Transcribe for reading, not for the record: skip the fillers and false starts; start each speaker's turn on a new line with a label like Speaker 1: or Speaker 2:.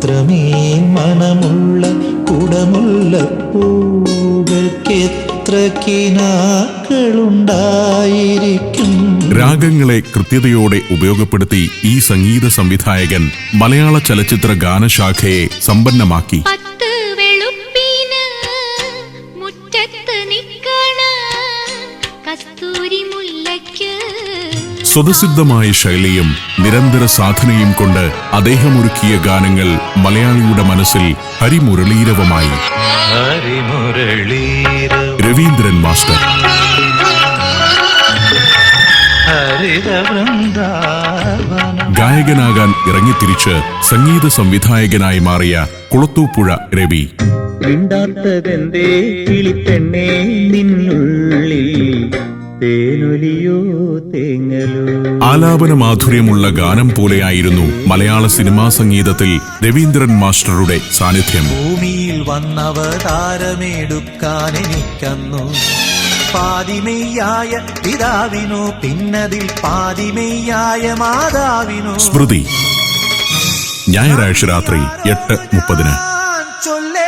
Speaker 1: അത്രമേൽ മനമുള്ള കുടമുള്ള പൂകൾക്കെത്ര കിനാക്കളുണ്ടായിരിക്കും.
Speaker 2: രാഗങ്ങളെ കൃത്യതയോടെ ഉപയോഗപ്പെടുത്തി ഈ സംഗീത സംവിധായകൻ മലയാള ചലച്ചിത്ര ഗാനശാഖയെ സമ്പന്നമാക്കി. സ്വതസിദ്ധമായ ശൈലിയും നിരന്തര സാധനയും കൊണ്ട് അദ്ദേഹം ഒരുക്കിയ ഗാനങ്ങൾ മലയാളിയുടെ മനസ്സിൽ ഹരിമുരളീരവമായി. രവീന്ദ്രൻ മാസ്റ്റർ ഗായകനാകാൻ ഇറങ്ങിത്തിരിച്ച് സംഗീത സംവിധായകനായി മാറിയ കുളത്തൂപ്പുഴ രവി.
Speaker 3: മിണ്ടാത്തതെന്തേ കിളിപ്പെണ്ണേ നിന്നുള്ളിൽ തേനൊലിയോ തേങ്ങലോ.
Speaker 2: ആലാപന മാധുര്യമുള്ള ഗാനം പോലെയായിരുന്നു മലയാള സിനിമാ സംഗീതത്തിൽ രവീന്ദ്രൻ മാസ്റ്ററുടെ സാന്നിധ്യം.
Speaker 1: ഭൂമിയിൽ വന്നവതാരമെടുക്കാൻ എനിക്കന്നു പാതിമെയ്യായ പിതാവിനോ പിന്നതിൽ പാതിമെയ്യായ മാതാവിനോ.
Speaker 2: സ്മൃതി, ഞായറാഴ്ച രാത്രി 8:30.